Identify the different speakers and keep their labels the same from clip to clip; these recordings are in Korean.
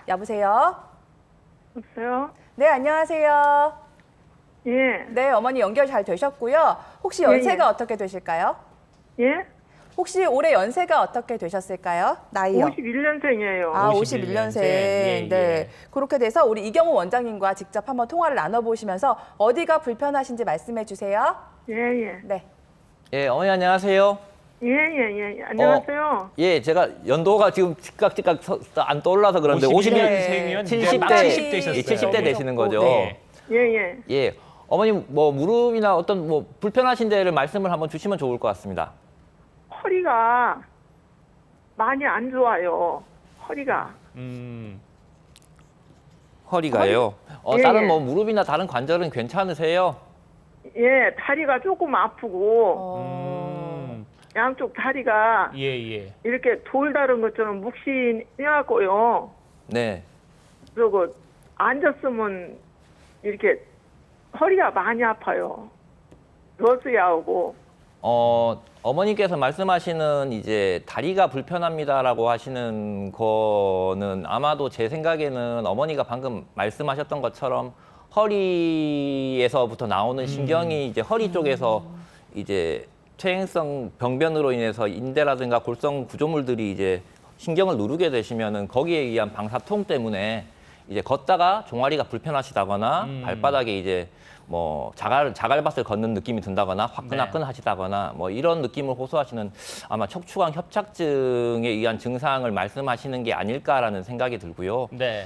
Speaker 1: 여보세요?
Speaker 2: 여보세요?
Speaker 1: 네, 안녕하세요.
Speaker 2: 예.
Speaker 1: 네, 어머니 연결 잘 되셨고요. 혹시
Speaker 2: 예,
Speaker 1: 연세가
Speaker 2: 예.
Speaker 1: 어떻게 되실까요?
Speaker 2: 예?
Speaker 1: 혹시 올해 연세가 어떻게 되셨을까요? 나이요?
Speaker 2: 51년생이에요.
Speaker 1: 아,
Speaker 3: 51년생.
Speaker 1: 51년생.
Speaker 3: 예,
Speaker 1: 네.
Speaker 3: 예.
Speaker 1: 그렇게 돼서 우리 이경호 원장님과 직접 한번 통화를 나눠보시면서 어디가 불편하신지 말씀해 주세요.
Speaker 2: 예, 예.
Speaker 1: 네.
Speaker 3: 예, 어머니 안녕하세요.
Speaker 2: 예, 예, 예. 안녕하세요.
Speaker 3: 예, 제가 연도가 지금 즉각 안 떠올라서 그런데
Speaker 1: 51년생이면
Speaker 3: 70대,
Speaker 1: 막 70대셨어요.
Speaker 3: 예, 70대 되시는 거죠.
Speaker 1: 네.
Speaker 2: 예, 예.
Speaker 3: 예, 어머니 뭐 무릎이나 어떤 뭐 불편하신 데를 말씀을 한번 주시면 좋을 것 같습니다.
Speaker 2: 허리가 많이 안 좋아요. 허리가.
Speaker 3: 허리가요.
Speaker 2: 예,
Speaker 3: 다른
Speaker 2: 예.
Speaker 3: 뭐 무릎이나 다른 관절은 괜찮으세요?
Speaker 2: 예, 다리가 조금 아프고
Speaker 1: 어,
Speaker 2: 양쪽 다리가
Speaker 3: 예, 예.
Speaker 2: 이렇게 돌 다른 것처럼 묵신해갖고요.
Speaker 3: 네.
Speaker 2: 그리고 앉았으면 이렇게 허리가 많이 아파요. 러스야하고.
Speaker 3: 어머니께서 말씀하시는 이제 다리가 불편합니다라고 하시는 거는 아마도 제 생각에는 어머니가 방금 말씀하셨던 것처럼 허리에서부터 나오는 신경이 이제 허리 쪽에서 이제 퇴행성 병변으로 인해서 인대라든가 골성 구조물들이 이제 신경을 누르게 되시면은 거기에 의한 방사통 때문에 이제 걷다가 종아리가 불편하시다거나 발바닥에 이제 뭐 자갈밭을 걷는 느낌이 든다거나 화끈화끈하시다거나 뭐 이런 느낌을 호소하시는 아마 척추관 협착증에 의한 증상을 말씀하시는 게 아닐까라는 생각이 들고요.
Speaker 4: 네.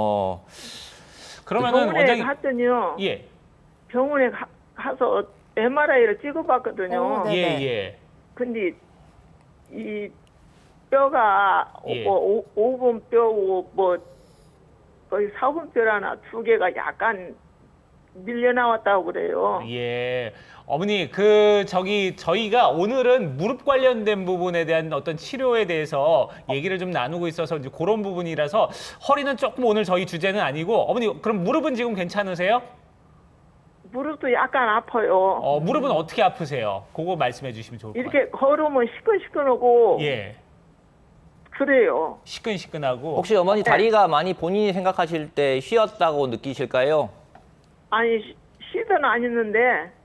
Speaker 3: 그러면은
Speaker 2: 병원에
Speaker 4: 원장님
Speaker 2: 갔더니요.
Speaker 4: 예.
Speaker 2: 병원에 가서 MRI를 찍어봤거든요.
Speaker 1: 네.
Speaker 4: 예, 예.
Speaker 2: 근데 이 뼈가
Speaker 4: 예.
Speaker 2: 뭐 5번 뼈고 뭐 거의 4번 뼈라나 두 개가 약간 밀려 나왔다고 그래요.
Speaker 4: 예. 어머니 저희가 오늘은 무릎 관련된 부분에 대한 어떤 치료에 대해서 얘기를 좀 나누고 있어서 이제 그런 부분이라서 허리는 조금 오늘 저희 주제는 아니고 어머니 그럼 무릎은 지금 괜찮으세요?
Speaker 2: 무릎도 약간 아파요.
Speaker 4: 무릎은 어떻게 아프세요? 그거 말씀해 주시면 좋을 것 같아요.
Speaker 2: 이렇게 걸으면 시큰시큰하고
Speaker 4: 예.
Speaker 2: 그래요.
Speaker 4: 시큰시큰하고
Speaker 3: 혹시 어머니 다리가 많이 본인이 생각하실 때 휘었다고 느끼실까요?
Speaker 2: 아니 쉬든 안 했는데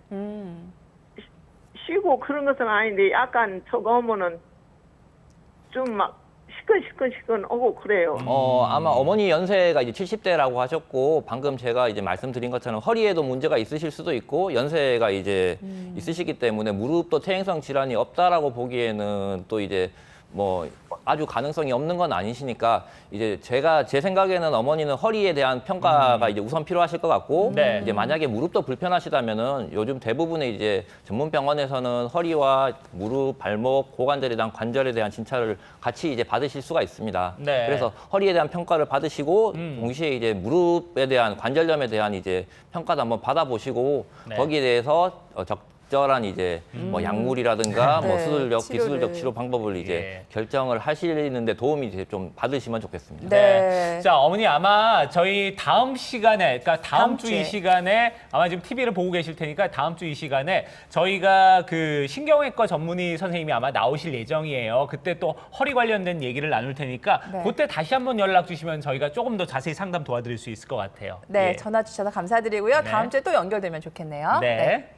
Speaker 2: 쉬고 그런 것은 아닌데 약간 저거 하면은 좀 막 시큰시큰하고 그래요.
Speaker 3: 아마 어머니 연세가 이제 70대라고 하셨고 방금 제가 이제 말씀드린 것처럼 허리에도 문제가 있으실 수도 있고 연세가 이제 있으시기 때문에 무릎도 퇴행성 질환이 없다라고 보기에는 또 이제 뭐 아주 가능성이 없는 건 아니시니까 이제 제 생각에는 어머니는 허리에 대한 평가가 이제 우선 필요하실 것 같고
Speaker 4: 네.
Speaker 3: 이제 만약에 무릎도 불편하시다면은 요즘 대부분의 이제 전문 병원에서는 허리와 무릎, 발목, 고관절에 대한 관절에 대한 진찰을 같이 이제 받으실 수가 있습니다.
Speaker 4: 네.
Speaker 3: 그래서 허리에 대한 평가를 받으시고 동시에 이제 무릎에 대한 관절염에 대한 이제 평가도 한번 받아보시고
Speaker 4: 네.
Speaker 3: 거기에 대해서 적절한 이제 뭐 약물이라든가 뭐
Speaker 1: 네,
Speaker 3: 수술적,
Speaker 1: 치료를.
Speaker 3: 기술적 치료 방법을 이제
Speaker 4: 예.
Speaker 3: 결정을 하시는데 도움이 이제 좀 받으시면 좋겠습니다.
Speaker 1: 네.
Speaker 4: 자, 어머니 아마 저희 다음 시간에, 그러니까 다음 주
Speaker 1: 주에.
Speaker 4: 이 시간에 아마 지금 TV를 보고 계실 테니까 다음 주 이 시간에 저희가 그 신경외과 전문의 선생님이 아마 나오실 예정이에요. 그때 또 허리 관련된 얘기를 나눌 테니까
Speaker 1: 네.
Speaker 4: 그때 다시 한번 연락 주시면 저희가 조금 더 자세히 상담 도와드릴 수 있을 것 같아요.
Speaker 1: 네,
Speaker 4: 예.
Speaker 1: 전화 주셔서 감사드리고요.
Speaker 4: 네.
Speaker 1: 다음 주에 또 연결되면 좋겠네요.
Speaker 4: 네.